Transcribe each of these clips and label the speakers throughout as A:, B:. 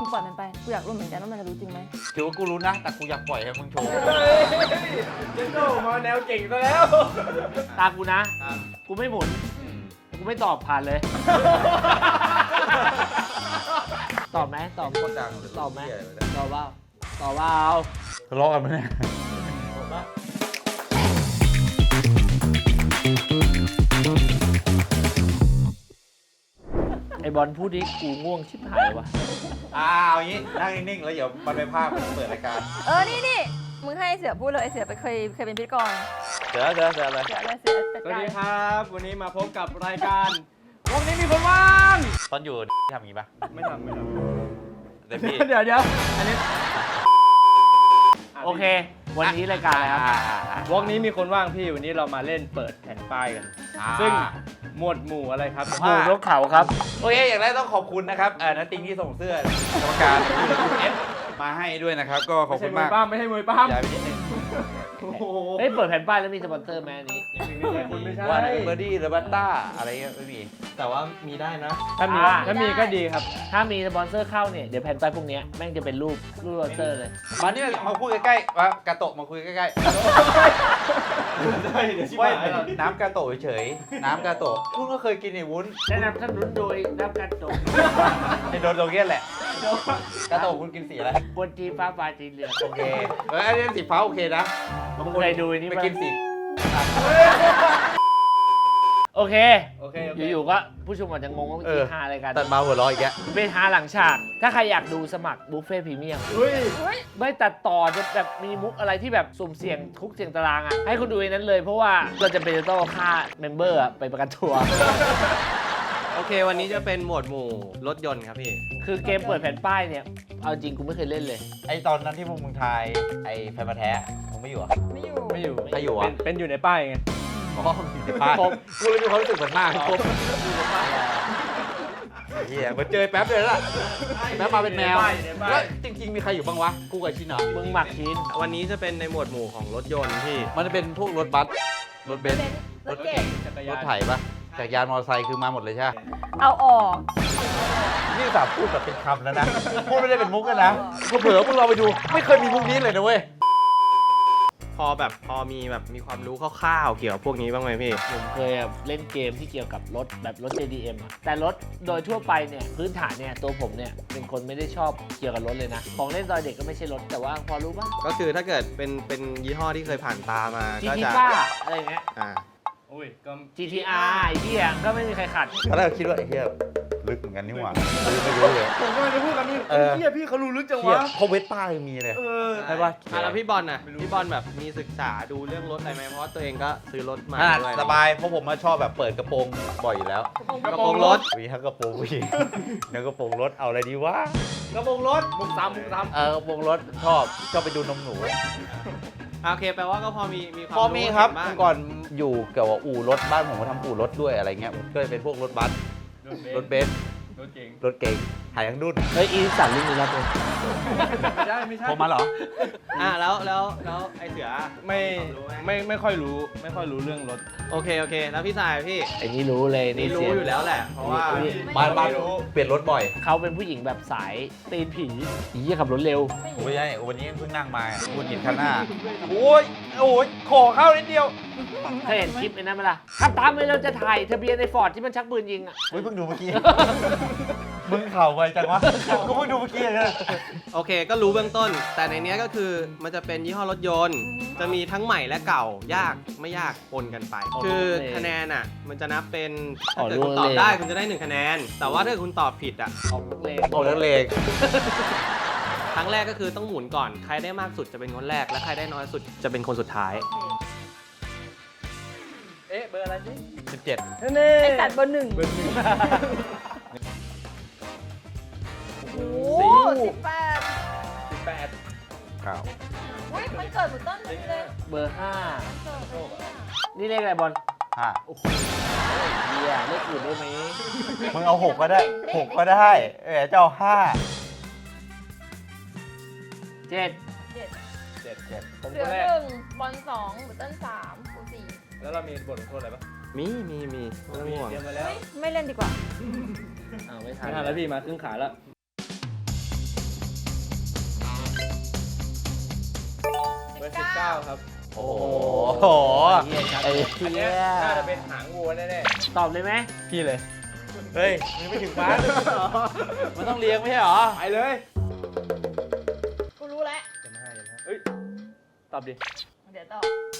A: มึงปล่อยมันไปกูอยากรู้เหมือนกันว่ามันจะรู้จริงไหม
B: ถือว่ากูรู้นะแต่กูอยากปล่อยให้มึงโชว์
C: เจนโน่มาแนวเก่งซะแล้ว
D: ตากูนะ กูไม่หมุน กูไม่ตอบผ่านเลย ตอบไหมตอบ
B: โคตรดัง
D: ตอบไหมตอบว่าตอบว่าเอา
B: ทะเลาะกันไหมเนี่ย
D: ไอบอลพูดดิกูง่วงชิบหายวะ
B: เอาอย่างนี้นั่งนิ่งๆแล้วเดี๋ยวมันไปภาพเปิดรายการ
A: นี่มึงให้เสือพูดเลยเสือเคยเป็นพิธีกร
B: เดี๋ยวเลย
A: เสือเลยเสือจัด
C: สวัส
A: การ
C: ดีครับ วันนี้มาพบกับรายการวันนี้มีคนว่าง
B: ตอนอยู่ทำอย่างนี้ปะ
C: ไม่ทำ
B: แต่พี่
C: เดี๋ยวอันนี้
D: โอเค วันนี้รายการอะไรครับ
C: วงนี้มีคนว่างพี่วันนี้เรามาเล่นเปิดแผ่นป้ายกัน ซึ่งหมวดหมู่อะไรครับ
D: หมู่นกเขาครับ
B: โอเคอย่างแรกต้องขอบคุณนะครับนัตติงที่ส่งเสื้อกรรมการเอฟมาให้ด้วยนะครับ ก็ขอบคุณมาก
C: ไม่ใช่มวยป้าม
B: ย้ายไปนิดนึง
C: โอ้โห
D: เฮ้ย เปิดแผ่นป้ายแล้วมีสปอนเซอร์ไหมอันนี้
C: ไม่ใช่
B: ว่าไหนเป็นเบอร์ดี้หรือบัตต้าอะไรเงี้ยไม่มี
E: แต่ว่ามีได้นะ
C: ถ้ามีก็ดีครับ
D: ถ้ามีสปอนเซอร์เข้าเนี่ย เดี๋ยวแผ่นป้ายพวกเนี้ยแม่งจะเป็นรูปสปอนเซอร์เลย
B: มาเนี่ยมาคุยใกล้ๆมากาโตะมาคุยใกล้
C: ได้เดี๋ยว
B: ๆ
C: ชิบ
B: ไม่
C: หายแล้ว
B: น้ำกาโตะเฉยๆน้ำกาโตะคุณก็เคยกินไอ้วุ้น
D: แนะนำท่านนุนโดยน้ำกันตก
B: ไอ้โดนโดเกี้ยนแหละกาโตะคุณกินสีอะไร
D: บนจีฟ้าฟ้าจีเหลือง
B: โอเคอันนี้สีฟ้าโอเคนะ
D: มึงเคยดูอันนี้
B: ไป
D: ปะ
B: กินสี
D: โอเค
C: โอเค
D: อยู่ๆก็ผู้ชมอาจจะงงว่าเมื่อกี้ฮาอะไรกัน
B: ตัดมาหัวเร้ออีกแก
D: เป็นฮาหลังฉาก ถ้าใครอยากดูสมัครบุฟเฟ่พรีเมียม
C: เฮ้ย
D: ไม่ตัดต่อจะแบบมีมุกอะไรที่แบบสุ่มเสี่ยงทุกเสี่ยงตารางอ่ะ ให้คุณดูในนั้นเลยเพราะว่าเราจะเป็นจะต้องเอาค่าเมมเบอร์ไปประกันตัว
E: โอเค วันนี้จะเป็นหมวดหมู่รถยนต์ครับพี่
D: คือเกมเปิดแผ่นป้ายเนี่ย เอาจริงกูไม่เคยเล่นเลย
B: ไอตอนนั้นที่พวกมึงทายไอแฟนมาแท้มึงไม่อยู่อ่ะ
A: ไม่อยู่
C: ไม่อยู่
B: ใครอยู่อ่ะ
C: เป็นอยู่ในป้ายไง
B: อ๋ออยู่ในบ้านกูเลยมีความรู้สึกเหมือนมากครบเฮียมาเจอแป๊บเลยล่ะแป๊บมาเป็นแมวแล้วจริงๆมีใครอยู่บ้างวะกูกับชินเหรอ
D: มึงหมักชิ้น
E: วันนี้จะเป็นในหมวดหมู่ของรถยนต์พี่
B: มันจะเป็นพวกรถบัสรถเบนซ์
A: รถเก่ง
C: จักร
B: ร
C: ยา
B: ถ
C: น
B: ไถปะจักรยานมอเตอร์ไซค์คือมาหมดเลยใช่ไหม
A: เอาออก
B: นี่สาพูดแบบเป็นคำแล้วนะพูดไม่ได้เป็นมุกเลยนะเผลอๆพวกเราไปดูไม่เคยมีมุกนี้เลยนะเว้ย
E: พอมีแบบมีความรู้คร่าวๆเกี่ยวกับพวกนี้บ้างไหมพี่
D: ผมเคยเล่นเกมที่เกี่ยวกับรถแบบรถ JDM อะแต่รถโดยทั่วไปเนี่ยพื้นฐานเนี่ยตัวผมเนี่ยเป็นคนไม่ได้ชอบเกี่ยวกับรถเลยนะ ของเล่นตอนเด็กก็ไม่ใช่รถแต่ว่าพอรู้ป่ะ
E: ก็คือถ้าเกิดเป็นยี่ห้อที่เคยผ่านตามาก็
D: GT
E: จะ
D: ป้าอะไรเงี้ย
E: อ่า
C: อุ้ยก็
D: GTR ไอ้เหี้ยก็ไม่มีใครขัด
B: ตอนแรกคิดว่าไอ้เหี้ยลึกเหมือนกันนี่หว่าไม่รู้เลย
C: ผมก็จะพูดกันนี่
B: เออ
C: เฮียพี่เขารู้ลึกจัง
B: เหี้ยว
C: ะ
B: เพราะเวสป้ายังมีเลย ใช่ปะ
E: แล้วพี่บอลน่ะพี่บอลแบบมีศึกษาดูเรื่องรถอะไรไหมเพราะว่าตัวเองก็ซื้อรถมาด้วย
B: สบายเพราะผมมาชอบแบบเปิดกระโปรงบ่อยอยู่แล้ว
E: กระโปรงรถ
B: มีทั้งกระโปรงผู้หญิงเนื้อกระโปรงรถเอาอะไรดีวะ
C: กระโปรงรถบุกซ้ำ
B: กระโปรงรถชอบไปดูนมหนู
E: โอเคแปลว่าก็พอมีความ
B: พอมีครับ
E: เห็นบ้าง
B: เมื่อก่อนอยู่เกี่ยวกับอู่รถบ้านผมก็ทำอู่รถด้วยอะไรเงี้ยก็เลยเป็นพวกรถบัสรถเบนซ์
C: รถเก่ง
B: รถเก๋งหายทั้งดุน
D: เฮ้ยอีสันรุ่นนี้รับเลย
C: ไม่ได้ไม่ใช่
B: ผมมาเหรอ
E: แล้วไอเสือ
C: ไม่ค่อยรู้เรื่องรถ
E: โอเคแล้วพี่สายพี่
D: ไอ้นี่รู้เลย
E: นี่รู้
D: เสีย
E: อยู่แล้วแหละ เพราะว่า
B: บ้านเปลี่ยนรถบ่อย
D: เขาเป็นผู้หญิงแบบสายตีนผีอีเหี้ยขับรถเร็ว
B: ไม่ใช่วันนี้เพิ่งนั่งมาคุณหินข้างหน้าโอ้ยขอเข้านิดเดียว
D: เคยเห็นคลิปไอ้นั่นไหมล่ะขับตามไปเราจะถ่ายทะเบียนในฟอร์ดที่มันชักปืนยิงอ่ะ
B: เพิ่งดูเมื่อกี้ มึงเข่าไปจังวะกูเพิ่งดูเมื่อกี้เลย
E: โอเคก็รู้เบื้องต้น แต่ในเนี้ยก็คือมันจะเป็นยี่ห้อรถยนต์ จะมีทั้งใหม่และเก่ายากไม่ยากปนกันไป คือคะแนนอ่ะมันจะนับเป็นถ้าเกิดคุณตอบได้คุณจะได้1คะแนน แต่ว่าถ้าเกิดคุณตอบผิดอ่ะ
D: ออกเลน
B: โอ้นักเลง
E: ครั้งแรกก็คือต้องหมุนก่อนใครได้มากสุดจะเป็นคนแรกและใครได้น้อยสุดจะเป็นคนสุดท้าย
C: เอ๊ะเบอร์อะไรสิ
B: 17
C: เน่
A: ไอสัตว์เบอร์หนึ่ง
C: เบอร์หนึ่ง
A: โอ้โห18
C: 18
B: ข่าว
A: อุ้ยมันเกิดเหมือนต้นเลย
D: เบอร์
A: มันเกิด
D: 5 นี่เลขอะไรบอล
B: 5
D: โอ้โหเหี้ยเลขอื่นได้ไหม
B: มึงเอา6ก็ได้6ก็ได้เจ้า5
D: เจ็ด
C: 7ผม
A: เหลื
C: ค
A: อน
C: แรก
A: 1บอล2บุตเติ้ล3กู4
C: แล้วเรามีบทลงโทษอะไรปะ
E: มีไม่ต้องห่วง
C: เตรียมมาแล้ว
A: ไม่เล่นดีกว่า
D: อ้าวไม่ทั
C: ไม่
D: น
C: ทันแล้วพี่มาครึ่งขาแล้วเบอร์19ครับ
B: โอ้โห
D: ไอ้
C: อัน
D: เหี้
C: เนี้
D: ย
C: ยน่าจะเป็นหางวัวแน่
D: ตอบเลยไหม
C: ๆพี่เลย
B: เฮ้ยมันไม่ถึงบ้านมันต้องเลี้ยงไม่ใช่เหรอ
C: ไปเลย
A: กูรู้แล้ว
C: เฮ้ยตอบดิ
A: เดี๋ยวต่อ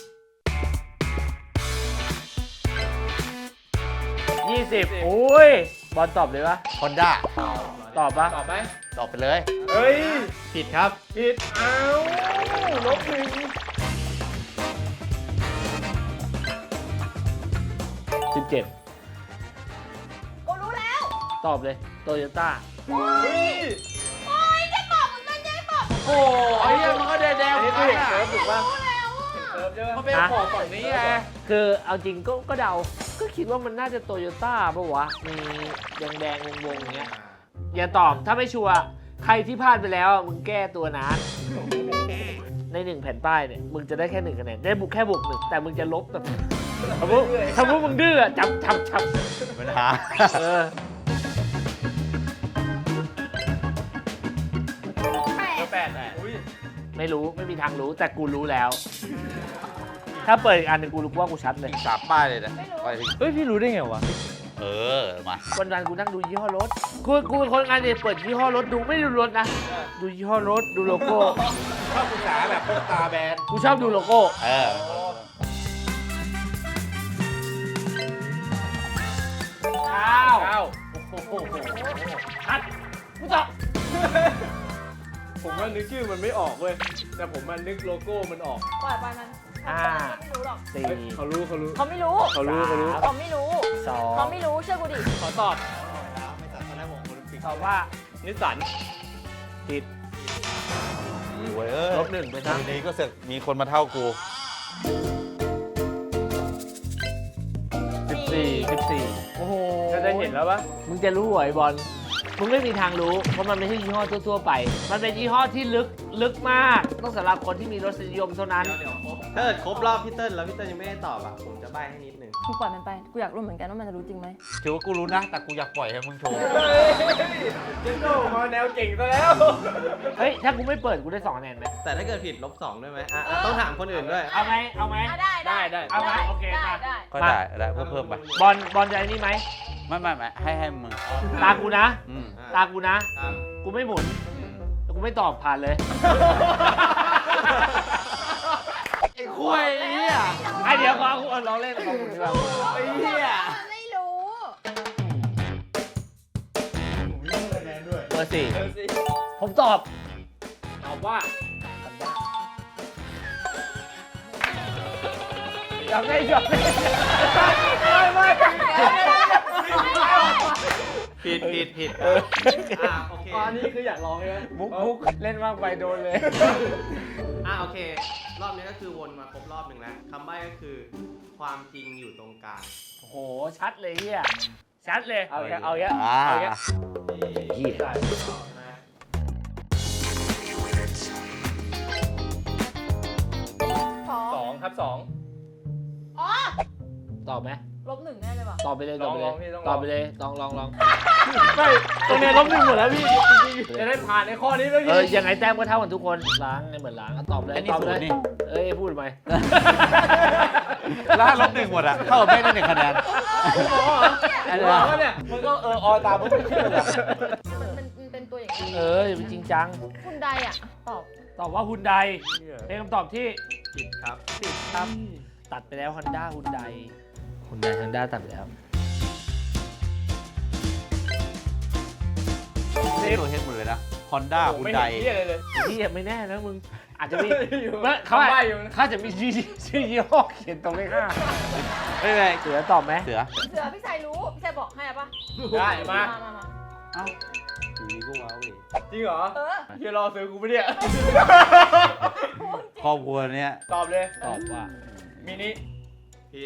D: 20โอ้ยบอลตอบเลยปะ
B: ฮอนด้า
D: ตอบปะ
C: ตอบไหม
B: ตอบไปเลย
C: เฮ้ย
E: ผิดครับ
C: ผิดอ้าวลบหนึ่ง
D: 17
A: กูรู้แล้ว
D: ตอบเลยโตโยต้า
C: เฮ้ย
A: โอ้ยจะบอกมึงนั่นจะบอก
B: โอ้ไอ้เหี้ยมันก็แดง
C: อัน
B: ๆ
C: นี้
B: กั
C: คือน เห็น
B: อ่ะ
C: เซิร์ฟถูกป่ะ
A: รู้แล้วอ่ะ
C: เซิร์ฟใช่ป่ะ
B: มันเป็นของฝั่งนี้ไง
D: คือเอาจริงก็เดา ก็คิดว่ามันน่าจะโตโยต้าปะวะ มีแดงๆวงๆอย่างเงี้ย อย่าตอบถ้าไม่ชัวร์ใครที่พลาดไปแล้วอะมึงแก้ตัวนะ ใน1แผ่นป้ายเนี่ยมึงจะได้แค่1คะแนนได้บุกแค่บวก1แต่มึงจะลบแบบสมมติมึงดื้ออะจับ
B: ปัญหา
D: เออ
A: แปด
C: เบอร์8อุ้ย
D: ไม่รู้ไม่มีทางรู้แต่กูรู้แล้ว ถ้าเปิดอีกอันหนึ่งกูรู้ว่ากูชัดเลย
B: สามป้ายเลยนะไปถึง
C: เฮ้ยพี่รู้ได้ไงวะ
B: เออมา
D: วันๆกูนั่งดูยี่ห้อรถกูเป็นคนงานเนี่ยเปิดยี่ห้อรถดูไม่ดูรถนะ ดูยี่ห้อรถดูโลโก้
B: ชอบศึกษาแบบพวกตาแบน
D: กูชอบดูโลโก้
B: เออ
D: อ้าว
C: อ้าว
D: ชัดกูตอบ
C: ผมว่านึกชื่อมันไม่ออกเว้ย แต่ผมมันนึกโลโก้มันออก
A: ปล่อยไปมันไม่รู้หรอก
D: สี่
C: เฮ้ยเขารู้
A: เขาไม่รู้
C: เขารู้
A: เขาไม่รู้
D: สอง
A: เขาไม่รู้เชื่อกูดิ
C: ขอตอบ
D: ตอบว่า
C: นิสสัน
D: ผิด
B: เว้ยเอ้ย
D: ลบ1ไปซะ
B: ทีนี้ก็เสร็จมีคนมาเท่ากู
D: 14 โอ้โห
C: จะได้เห็นแล้วปะ
D: มึงจะรู้เหรอไอ้บอลมึงไม่มีทางรู้เพราะมันไม่ใช่ยี่ห้อทั่วๆไป มันเป็นยี่ห้อที่ลึกมากต้องสำหรับคนที่มีรสนิยมเท่านั้น
E: ถ้าเกิดครบรอบพี่เติ้ลแล้วพี่เติ้ลยังไม่ได้ตอบอ่ะ ผมจะใบ้ให้นิดนึง
A: มึงปล่อยมันไป กูอยากรู้เหมือนกันว่ามันจะรู้จริงไหม
B: ถือว่ากูรู้นะ แต่กูอยากปล่อยให้มึงโชว์
C: เจนโน่มาแนวเก่งซะแล้ว
D: เฮ้ย ถ้ากูไม่เปิดกูได้2คะแนนไหม
E: แต่ถ้าเกิดผิดลบ2ด้วยไหมอ่ะต้องถามคนอื่นด้วย
D: เอาไหมเอาไหม
A: อ่ะได้
C: ได้
D: เอาไหมโอเค
A: ได้
D: มา
A: ได้
B: ก็ได้ได้เพิ่มไป
D: บอลจะไอ้นี่ไหม
B: ไม่ให้มึง
D: ตากูนะ
B: อืม
D: ตากูนะ
E: ครับ
D: กูไม่หมุนแต่กูไม่ตอบผ่านเลย
B: ไอ้คุยไอ้เหี้ย
D: ไอเดี๋ยวขอกูลองเล่นของมึงดีกว่า
B: ไอ้เหี้ย
A: ไม่รู้
D: เบอร์สี่
C: เออสิ
D: ผมตอบ
C: ตอบว่า
D: อยากได้ยอม
E: ผิดโอเค
C: อันนี้คืออยากลองใช่ไหม
D: มุกเล่นมากไปโดนเลย
E: โอเค รอบนี้ก็คือวนมาครบรอบหนึ่งแล้วคำใบ้ก็คือความจริงอยู่ตรงกลาง
D: โอ้โห ชัดเลยเฮียชัดเลย เอาแค่
B: อ่า
D: เอาแค่ เหี้ย
E: ใช่
A: สอง
C: 2 ครับ 2
A: อ๋อ
D: ตอบไหม
A: -1แน่เลยว่ะ
D: ตอบไปเลยตอบไปเลย
C: ลองพี่ต้อง
D: ตอบไปเลยลอง
C: ไม่ตรงนี้ลบ1หมดแล้วพี่จริงๆจะได้ผ่านในข้อนี้เมื่อ
D: เอ
C: กี้
D: อยังไงแต้มก็เท่ากันทุกคนล้างไงเหมือนล้างตอบเลย
B: ไอ้นี่
D: ตอบ
B: ศู
D: เล
B: น
D: ย
B: ย์นี่
D: เอ้ยพูดทำไม
B: แล้วลบ1หมดอ่ะเท่ากับแม่งได้1คะแนน
C: อันนี้ว่าเนี่ยมันก็ตามมันไม่เชื่อเลย
A: มันเป็นตัวอย่างนี้
D: เอออย่าไปจริงจัง
A: คุณใดอ่ะ ตอบ
D: ตอบว่าฮุนไดเป็นคำตอบที่
E: ผิดครับ
D: ผิดครับ ตัดไปแล้วฮอนด้าฮุนไดฮุนไดฮอนด้าตัดไปแล้ว
B: เล่นตัวเฮดหมดเลยนะ Honda
C: ไม่
B: Hyundai
C: เห็นเหี้ยอะไรเลย
D: ที่ยังไม่แน่นะมึง อาจจะมี
C: อยู่
D: เขา
C: คำใบ้อยู่นะ
D: เขาจะมีชื่อยี่ห้อเขียนตรงเลข5
B: ไม่เป็นไร
D: เสือตอบไหม
B: เสือ
A: เสือพี่ชายรู้ พี่ชายบอกให้อะปะ
C: ได้มา
A: มา
B: เอ้าอยู่ดีก็ว้าวเว้ย
C: จริงเหรอ
A: เออ
C: เฮียรอซื้อกูไม่เนี่ย
B: ครอบครัวเนี้ย
C: ตอบเลย
D: ตอบว่า
C: มินิ
E: ผิด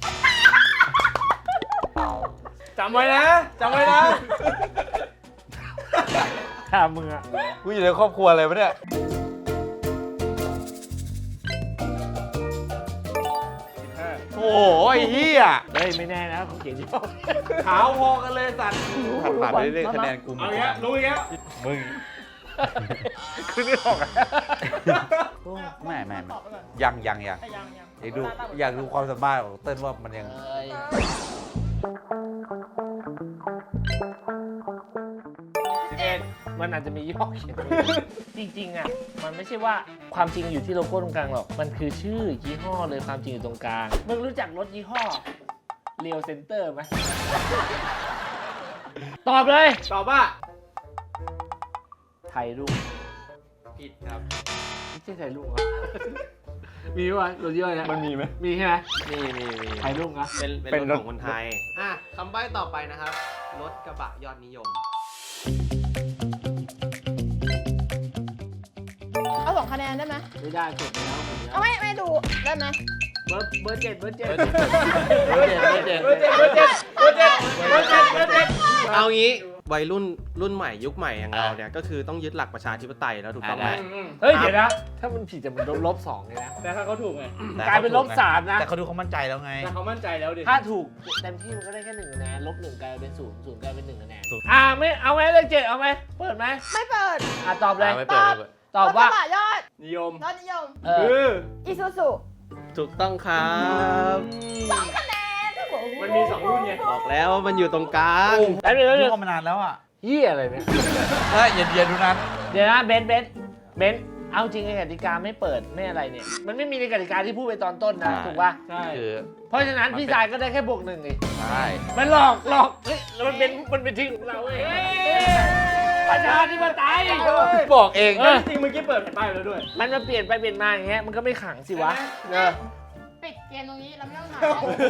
C: จำไว้นะจำไว้นะ
D: ถ้ามึงอะ
B: กูอยู่ในครอบครัวอะไรวะเนี่ย โอ้โหไอ้เหี้ย
D: เฮ้ยไม่แน่นะเขาเขียนยี่ห้อ
B: ขาวพอกันเลยสัตว์ผ่านไปเรื่อยๆคะแนนกูหม
C: เอา
B: ด
C: อีกแล้วรู้อีกแล้ว
B: มึง
D: คือไม่ออกอะโอ้
B: ไม่
A: ตอบไปก่อน
B: ยัง
A: แต่ยัง
B: อยากดูความสามารถของเต้นว่ามันยัง
D: มันอาจจะมียี่ห้อเขียนจริงๆอ่ะมันไม่ใช่ว่าความจริงอยู่ที่โลโก้ตรงกลางหรอกมันคือชื่อยี่ห้อเลยความจริงอยู่ตรงกลางมึงรู้จักรถยี่ห้อเรียวเซ็นเตอร์ไหมตอบเลย
C: ตอบว่า
D: ไทยรุ่ง
E: ผิดครับ
D: ไม่ใช่ไทยรุ่งเหรอ มีวะรถยี่ห้อเนี้ย
C: มันมีไหม
D: มีใช่ไหม
E: มี
D: ไทยรุ่งเหรอ
E: เป็นรถของคนไทย คำใบ้ต่อไปนะครับ รถกระบะยอดนิยม
A: เอา2 คะแนนได้ไหม
D: ไม่ได้กดไปแล้ว
A: เอาไม่ดูได้ไหม
D: เบอร์เจ็ด
E: เอางี้วัยรุ่นใหม่ยุคใหม่อย่างเราเนี่ยก็คือต้องยึดหลักประชาธิปไตยแล้วถูกต้องไหม
D: เฮ้ยเดี๋ยวนะถ้ามันผิดจะมันลบ2เลยนะ
C: แต่ถ้าเขาถูกไง
D: กลายเป็นลบ3นะ
B: แต่เขาดูเขามั่นใจแล้วไง
C: แต่เขามั่นใจแล้วดิ
D: ถ้าถูกเต็มที่มันก็ได้แค่1 คะแนนลบ1กลายเป็น0กลายเป็น1 คะแนนไม่เอาไหมเลข7เอาไหมเปิดไหม
A: ไม่เปิด
D: ตอบเลย
B: ไม่เปิดไม่เปิด
D: ตอบว่า
A: รถกระบะยอด
C: นิยม
A: ยอดนิยม
C: คือ
A: อีซูซู
E: ถูกต้องครับ
A: 2 คะแนน
C: มันมี2รุ่นไง
E: บอกแล้วว่ามันอยู่ตรงกลาง
D: แล้วเดี๋ยว
B: ดูมานานแล้วอ่ะ
D: ยี่อะไรเนี่ย
B: อย่าดูนั้น
D: เดี๋ยวนะเบนซ์เอาจริงในกติกาไม่เปิดไม่อะไรเนี่ยมันไม่มีในกติกาที่พูดไปตอนต้นนะ
B: ใช่
D: ถูกป่ะ
C: ใช่
B: คือ
D: เพราะฉะนั้นพี่ชายก็ได้แค่บวก1เอง
B: ใช่
D: มันหลอกเฮ้ยแล้วมันเป็นที่ของเราเว้ยประชาธิปไตย
B: บอกเอง
C: จริงเมื่อกี้เปิดแผ่นป้ายแล้วด้วย
D: มันมาเปลี่ยนไปเปลี่ยนมาอย่างเงี้ยมันก็ไม่ขังสิวะเออ
A: ปิดเกมตรงนี้เราไม่ต้องถาม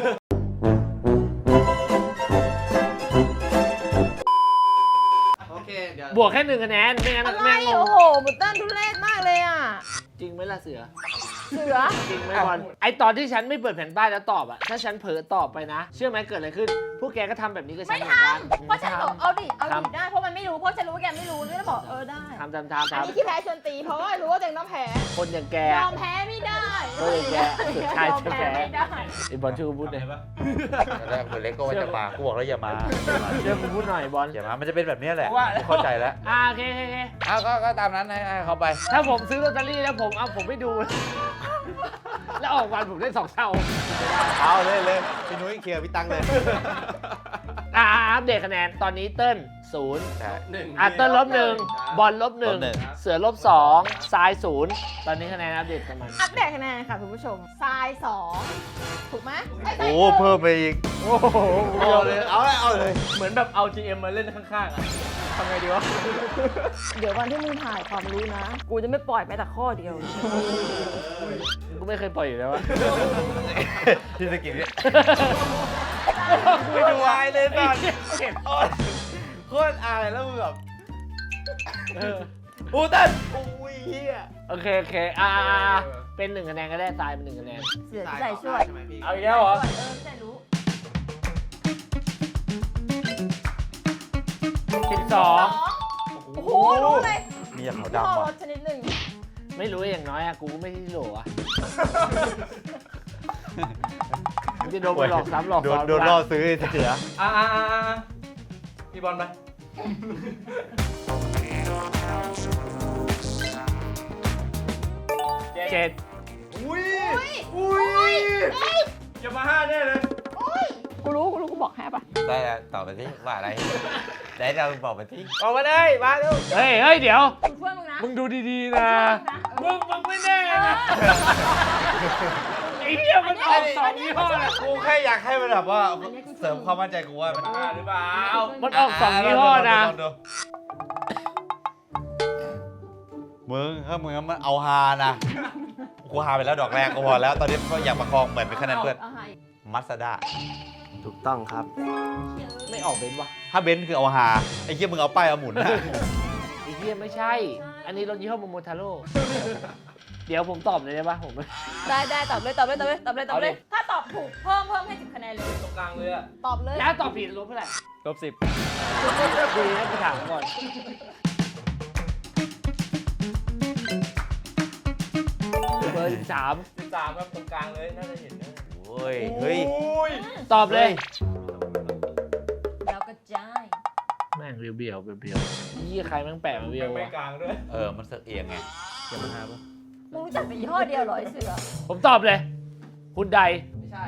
E: โอเค เดี๋ยว
D: บวกแค่1 คะแนนไม่งั้น
A: อะไร
D: แม่งง
A: โอ้
D: ง
A: โหบุตเติ้ลทุเรศมากเลยอ่ะ
D: จริงไหมล่ะเสือ
A: เสือ
D: จริงไหมบอลไอตอนที่ฉันไม่เปิดแผ่นป้ายแล้วตอบอะถ้าฉันเผลอตอบไปนะ เชื่อไหมเกิดอะไรขึ้น พวกแกก็ทำแบบนี้กับฉั
A: ไม่
D: นเหมือนกัน
A: ทำเพราะฉันบอกเอาดิได้ เพราะมันไม่รู้ เพราะฉันรู้ว่าแกไม่รู้นี่แล้วบอกได้
D: ทำ
A: อันนี้ที่แพ้ชวนตี เพราะว่ารู้ว่าตัวเองต้องแพ้
D: คนอย่างแก
A: ยอมแพ้ไม่ได้
D: ก็เลยแกสุดท้ายจะแพ้
A: ไม่ได้
D: ไอบอลช่วยกูพูดหน่อย
B: แล้วคนเล็กก็ว่าจะมากูบอกแล้วอย่ามา
D: ช่วยกูพูดหน่อยบอล
B: อย่ามา มันจะเป็นแบบนี้แหละ
D: ว่า
B: เข้าใจแล้ว
D: โอเค
B: เอาก็ตามนั้นให้เขาไป
D: ถ้าผมซื้อลอตเตอรี่แล้วผมไม่ดู แล้วออกวันผมได้2 เท่า
B: เอาเลยพี่นุ้ยเคลียร์พี่ตังเลย
D: อัปเดตคะแนนตอนนี้เติ้ล0
B: ใช่
D: เติ้ล-1บอล
B: ลบหนึ่ง
D: -1เสือ-2ทราย0ตอนนี้คะแนนอัปเดตกันมัน
A: อัปเดตคะแนนค่ะคุณผู้ชมทราย2ถูกไหม
B: โอ้เพิ่มไปอีก
D: โอ้โห
B: เอาเลยเอาเลย
C: เหมือนแบบเอา GM มาเล่นข้างๆอ่ะทำไงดีวะ
A: เดี๋ยววันที่มึงถ่ายความรู้นะ กูจะไม่ปล่อยแม้แต่ข้อเดียว
D: กูไม่เคยปล่อยอยู่แล้วอะ
B: ที่สกินเนี่ยไม่ดูอายเลยตอนโคตรอายแล้วมึงแบบอูตันอุ้ยเฮีย
D: โอเคเป็น1 คะแนนก็ได้ทรายเป็น1 คะแนน
A: เสือใส่ช่วย
E: ใช่ไหมพี่
C: เอาอีกแล้วเหรอ
A: ใส่รู้
D: 12
A: โอ้โหรู้เลย
B: มีอย่างเขา
A: พ่อ
B: ดำ
A: ร
B: ว่ะ
A: ถชนิดหนึ่ง
D: ไม่รู้อย่างน้อยอะกูก็ไม่ที่โหลอะจะโดนไปหลอกซ้ำหลอกซ้อน
B: โดนล่อซื้อเสีย
C: พี่บอลไป
D: 7
C: อุ้ย
A: อุ้ย
C: อย่ามาห้าแน่เลย
A: กูรู้กูบอกแฮปอ่ะ
B: ได้แล้วตอบไปที่ว่าอะไรได้เราบอกไปที่ออกมาได้มาดู
D: เฮ้ยเดี๋ยว
A: กูช่วยมึงนะ
D: มึงดูดีๆนะ มึงไม่แน่นะไอ้เหี้ยมันออก2 ยี่ห้อนะ
B: กูแค่อยากให้มันแบบว่าเสริมความมั่นใจกูว่ามัน
C: หรือเปล่า
D: มันออก2 ยี่ห้อนะ
B: ลงดูมึงถ้ามึงมันเอาฮานะกูฮาไปแล้วดอกแรกก็พอแล้ว ตอนนี้ก็อยากประคองเหมือนเป็นคะแนนเพื่อน
A: เอาให้
B: มัสด้า
E: ถูกต้องครับ
D: ไม่ออกเบนซ์วะ
B: ถ้าเบนซ์คือเอาฮาไอ้เหี้ยมึงเอาป้ายเอาหมุนนะ
D: ไอ้เหี้ยไม่ใช่ อันนี้รถยี่ห้อโมโมทาโร่ เดี๋ยวผมตอบเลยได้ปะผม
A: ได้ตอบเลย ถ้าตอบถูกเพิ่มให้10 คะแนนเลย
C: ตรงกลางเลยอ่ะ
A: ตอบเลย
D: แล้วตอบผิดลบเท่าไหร่
C: -10
D: ดีนะกูถามก่อน เบอร์13
C: 13ครับตรงกลางเลยน่าจะเห็นนะ
B: โอ้ยเฮ้ย
D: ตอบเลย
A: แล้วก็จ้าย
D: แม่งเบี้ยวยี่ใครแม่งแปะมาเบี้ยว
C: ไม่
D: วะ
C: กลางด้วย
B: มันเสือกเอียงไง
C: อย่ามาหาปะ
A: มึงรู้จักเป็นยี่ห้อเดียวเหรอไอ้เสือ
D: ผมตอบเลยคุณใด
C: ไม่ใช่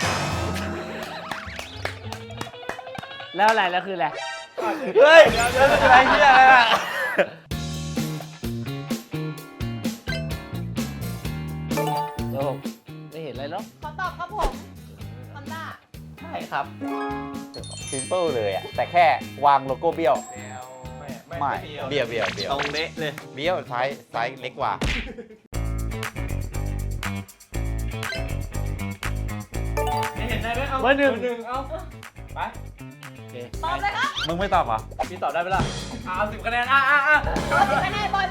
D: แล้วอะไรแล้วคืออะไร
B: เฮ้ยอะไรเนี่ยอะไรอะ
D: โอ้ไม่เห็นอะไรหรอก
A: ขอตอบครับผมฮอนด้า
B: ใช่ครับซิมเปิลเลยอะแต่แค่วางโลโก้เบี้ยว ไม่เบี้ยว
E: ตรงเละเลย
B: เบี้ยวซ้ายเล็กกว่า
C: ไม่เห็นได้ไหมเอา
D: เบอร์หนึ่ง
C: เอาไป
D: โอเค
A: ตอบเลยครับ
B: มึงไม่ตอบเหรอ
C: พี่ตอบได้ไหมล่ะเอา10 คะแนน
A: ตอบ10 คะแนนบอล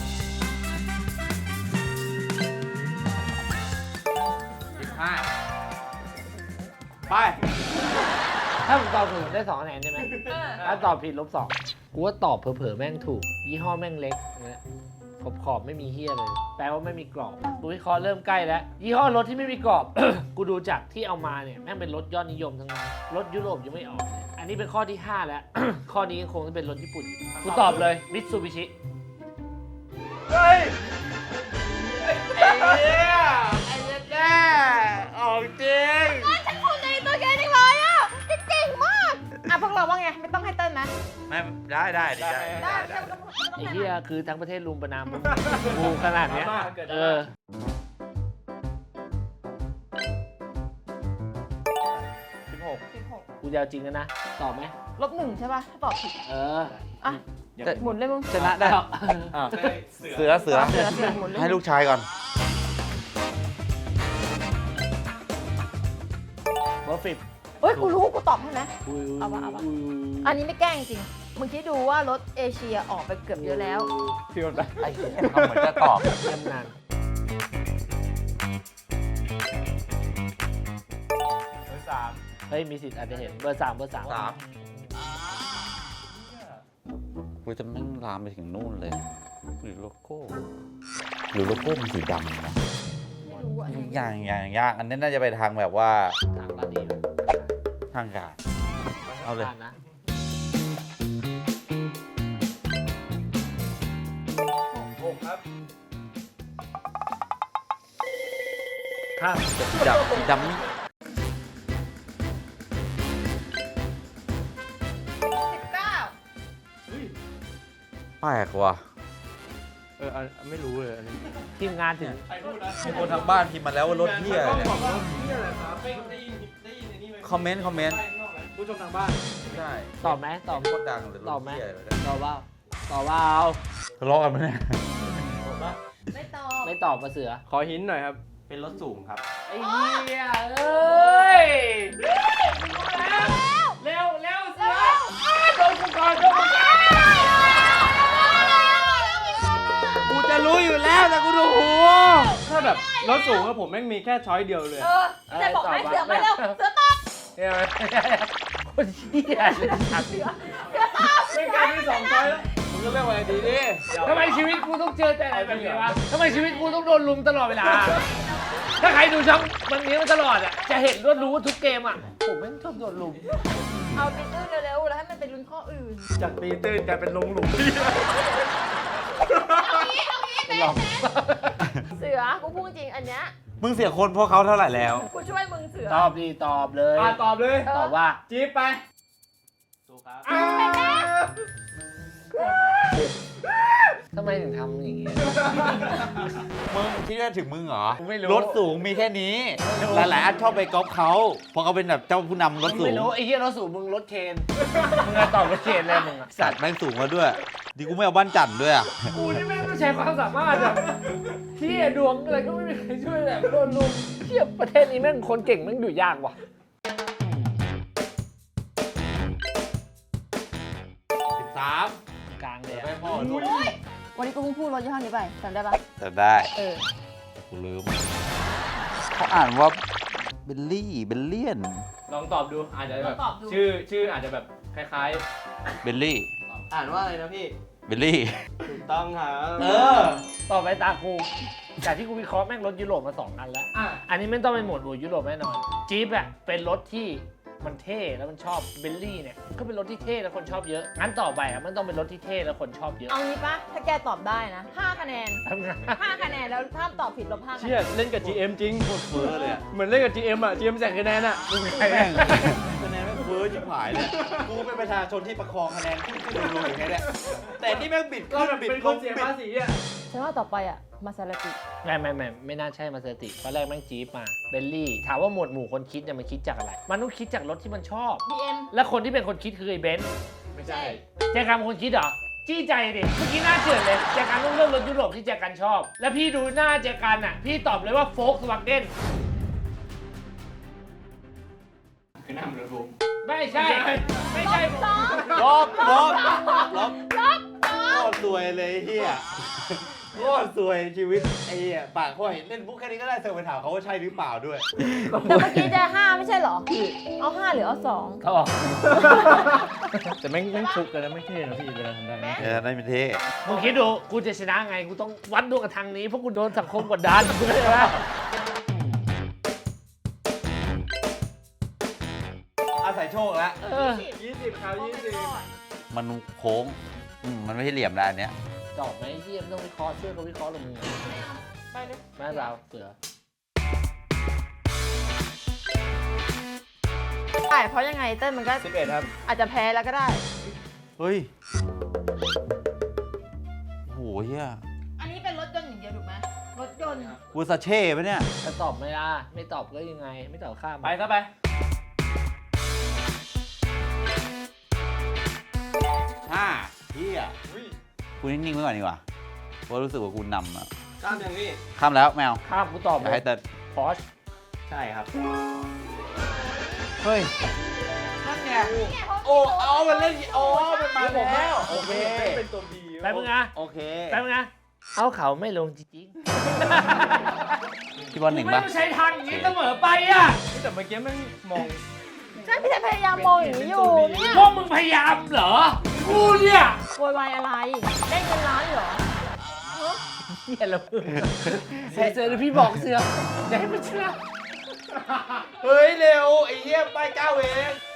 B: ไป
D: ถ้าผมตอบถูกผมได้2 คะแนนใช่ไหมถ้าตอบผิด-2กูว่าตอบเผลอๆแม่งถูก ยี่ห้อแม่งเล็กนะขอบไม่มีเฮียเลย แปลว่าไม่มีกรอบกูวิเคราะห์เริ่มใกล้แล้ว ยี่ห้อรถที่ไม่มีกรอบ กูดูจากที่เอามาเนี่ยแม่งเป็นรถยอดนิยมทั้งนั้นรถยุโรปยังไม่ออกเลยอันนี้เป็นข้อที่ 5 แล้ว ข้อนี้ยังคงต้องเป็นรถญี่ปุ่นอยู่กูตอบเลยมิตซูบิชิ
C: เฮ้ย
D: ไอ้แน่ออกจริง
A: ฉันภูมิใจในตัวแกจังเลยอ่ะเก่งมากอ่ะพวกเราว่าไงไม่ต้องให้เต้นนะ
B: ไม่ได้ได้
A: ได้ไม่ต้อง
D: ไอ้เฮียคือทั้งประเทศรุมประนามมึงกูขนาดเนี้ยเออ
B: 16
D: กูจะเอาจริงกันนะ ตอบไหม
A: -1ใช่ป่ะถ้าตอบผิด
D: เออ
A: อ่ะหมุนเลยมึง
B: ชนะได้ เสือ
A: เสือหมุนเลย
B: ให้ลูกชายก่อน
D: เบอร์10
A: เฮ้ยกูรู้กูตอบให้นะ เอาวะ
D: อุ้ย
A: อันนี้ไม่แกล้งจริงมึงคิดดูว่ารถเอเชียออกไปเกือบเยอะแล้ว
C: พี่มันไป
B: ไอ้เหี้ยทำเหมือนจะตอบ
D: เยี่ยมนาน
C: เบอร์ 3
D: เฮ้ย มีสิทธิ์อาจจะเห็น เบอร์ 3 เบอร์ 3
B: 3กูจะแม่งลามไปถึงนู่นเลย หรือโลโก้มันสีดำนะ
A: ไม่รู้อ่ะ
B: ยากอันนี้น่าจะไปทางแบบว่า
D: ทางลาดีเลย
B: ทางการ เอาเลย
D: ผ่นนะ
C: 6 ครับ
D: ข้าม
B: สีดำนี่
A: 19
B: แปลกว่ะ
E: ไม่รู้เลยอันนี้
D: ทีมงานถึง
C: ใครพูดนะ
B: มีคนทางบ้านพิมพ์มาแล้วว่ารถเที่ยเนี่ย
C: บอกว่ารถเที่ยอะไรครับไม่ได้ยินในนี่ไหม
B: คอมเมนต์
C: ผู้ชมทางบ้าน
B: ใช่
D: ตอบไหมตอบ
B: โคตรดังเลยร
D: ตอ
B: ถ
D: บไหม
B: เที่ยเลย
D: ตอบว่าตอบว่าเอา
B: ทะเลาะกันไหมเนี่ย
A: ไม่ตอบ
D: ไม่ตอบมาเสือ
E: ขอหินหน่อยครับ เป็นรถสูงครับ
D: ไอ้เหี้ยเอ้ย เร็วเสือโดนกูก่อนโดนกูก่อน
E: กูจะรู้อยู่แล้วแต่กูดูหู
C: ถ้าแบบรถสูงอะผมแม่งมีแค่ช้อยเดียวเลย
A: จะบอกให้เสือมาเร็วเสือตอบ
D: เนี่ยคนเหี้ยเลยสัตว์
C: ไม่กลายเป็น2 ช้อยแล้วมึงก็เลือกอะไรดีดิ
D: ทำไมชีวิตกูต้องเจอแต่อะไรแบบนี้วะทำไมชีวิตกูต้องโดนลุมตลอดเวลา ถ้าใครดูช่องมันนี้มาตลอดอ่ะ จะเห็นว่ารู้ว่าทุกเกมอ่ะ ผมไม่งชอบโดนลุม
A: เอาตีตื้นเร็วๆแล้วให้มันเป็นลุ้นข้ออื่น
C: จากตีตื้นกลายเป็นลงหลุม
D: หลอก
A: เสือกูพูดจริงอันเนี้ย
B: มึงเสียคนเพราะเขาเท่าไหร่แล้ว
A: กูช่วยมึงเสือ
D: ตอบดีตอบเลย
C: ตอบเลย
D: ตอบว่า
C: จี๊บไป
E: ถูกครับ
D: ทำไมถึงทำอย่างงี้
B: มึงคิดว่าถึงมึงเหรอ
D: กูไม่รู้
B: รถสูงมีแค่นี้ หลายๆอันชอบไปก๊อปเขาเพราะเขาเป็นแบบเจ้าผู้นำรถสู
D: ไม่
B: ง
D: รู้ไอ้เหี้ยรถสูงมึงรถเคน มึงอะตอบรถเคนเลยมึงอะ
B: สัตว์แม่งสูงมาด้วย ดีกูไม่เอาบ้านจันทร์ด้วยอ่ะ
D: กูนี่แม่งต้องใช้ความสามารถอะเหี้ยดวงอะไรก็ไม่มีใครช่วยแบบโดนลุมเหี้ยประเทศนี้แม่งคนเก่งแม่งอยู่ยากว่ะ
B: 13
D: กลางเลย
B: ไป
D: อะ
B: พ่อลูก
A: วันนี้กูเพิ่งพูดรถยี่ห้อนี้ไปจำได้ปะ
B: แต่ได้
A: เออ
B: กูลืมเขาอ่านว่าเบลเลียน
C: ลองตอบดูอาจจะแบบ
A: ลองตอบดู
C: ชื่ออาจจะแบบคล้าย
B: เบลลี่
E: อ่านว่าอะไรนะพี่
B: เบลลี่
E: ถูกต้องครับ
D: ต่อไปตากูจากที่กูวิเคราะห์แม่งรถยุโรปมา2 อันแล้ว
C: ๆอ่ะ
D: อันนี้ไม่ต้องเป็นหมวดหมู่ยุโรปแน่นอน จี๊ปอะเป็นรถที่มันเท่แล้วมันชอบเบลลี่เนี่ยก็เป็นรถที่เท่แล้วคนชอบเยอะงั้นต่อไปอ่ะมันต้องเป็นรถที่เท่แล้วคนชอบเยอะ
A: เอางี้ปะถ้าแกตอบได้นะ5คะแนน
D: ทำไง
A: 5คะแนนแล้วถ้าตอบผิดลบ5คะแน
C: เชี่ย
A: น
C: เล่นกับ GM จริง
B: โคตรเฟ้อเลยอะ
C: เหมือนเล่นกับ GM อ่ะ GM แจกคะแนนอ่ะ
B: แม่งคะแนนแม่งเฟ้อชิบหายเลยกูเป็นประชาชนที่ประคองคะแนนขึ้นลงอย่างเงี้ยแหละแต่นี่แม่งบิด
C: ก็
B: ขึ้น
C: แบบ
B: บิด
C: เป็น
B: ล
C: คน
B: ง
C: เสีย
B: บิด
C: ภาษีอ่ะ
A: ฉันว่าต่อไปอ่ะมาซาลาติ
D: ไม่น่าใช่มาเซอร์ติตอนแรกแม่งจี๊ปมาเบลลี่ถามว่าหมวดหมู่คนคิดเนี่ยมันคิดจากอะไร มันต้องคิดจากรถที่มันชอบ
A: BM
D: และคนที่เป็นคนคิดคือไอ้เบนซ์
C: ไม่ใช่
D: แจกันเป็นคนคิดเหรอจี้ใจดิเมื่อกี้หน้าเจือนเลยแจกันต้องเลือกรถยุโรปที่แจกันชอบ แล้วพี่ดูหน้าแจกันอ่ะพี่ตอบเลยว่าโฟล์กสวาเกน
C: คือหน้ามันระบุ
D: ไม่ใช่ ไม่ใช่
B: ลบโคตรสวยเลยเฮียโคตรสวยชีวิตไอ้เหี้ยปากห้อยเล่นมุกแค่นี้ก็ได้เซอร์ไปถามเขาว่าใช่หรือเปล่าด้วย
A: แต่เมื่อกี้จะ5ไม่ใช่เหรอ เอา5หรือเอา2
D: เขาบอก
C: แต่แม่งฟุกกันนะไม่เท่นะพี่เวลาทำได้นะ
B: ได้เป็นเท่
D: มึงคิดดูกูจะชนะไงกูต้องวัดดวงกับทางนี้เพราะกูโดนสังคมกดดันเข้าใจไหม
B: อาศัยโชคแล้ว
C: 20ครับ20
B: มันโค้งมันไม่ใช่เหลี่ยมแล้วอันเนี้ย
D: ตอบไหมเยี่ยมต้องวิเคราะห์ช่วยเขาวิเคราะห์ลงมือ
A: ไปเลย
D: แม่เราเสือ
A: ใช่เพราะยังไงเต้นมันก็
C: 11ครับ
A: อาจจะแพ้แล้วก็ได้
B: เฮ้ยโหเฮีย
A: อันนี้เป็นรถยนต์อย่างเดียวถูกไหมรถยนต์
B: วูซาเช่ปะเนี่ย
D: จะตอบไม่ได้ไม่ตอบก็ยังไง ไม่ตอบข้าม
C: ไปซะไป
B: เฮียกูนิ่งๆไว้ก่อนดีกว่าเพราะรู้สึกว่ากูนำอะ
E: ข้ามอย่างนี้
B: ข้ามแล้วแมว
D: ข้ามกูตอบ
B: อยากให้เติร์ด
D: พอช
E: ใช่ครับ
B: เฮ้ยนั่นไงโอ้เอามันเล่นโอ้มันมาแล้วโอเค
C: เป็นตัว B
D: ไปมึงนะ
B: โอเค
D: ไปมึงนะเอาเขาไม่ลงจริง
B: พี่บอล
D: ๆ
B: หนึ่ง
D: ไม่
B: ป่ะ
D: ต้องใช้ทางอย่างนี้เสมอไปอ่ะ
C: แต่เมื่อกี้แม่งมอง
A: ใช่พี่แทนพยายามมองอย่างนี้อยู่เนี่ย
D: พวกมึงพยายามเหรอกูเนี่ย
A: โวยวายอะไรเล่นกันร้านเหรอ
D: เฮียละมึงเสือเสือเดี๋ยวพี่บอกเสืออย่าให้มันเชื่อ
B: เฮ้ยเร็วไอ้เหี้ยป้าย9 เอง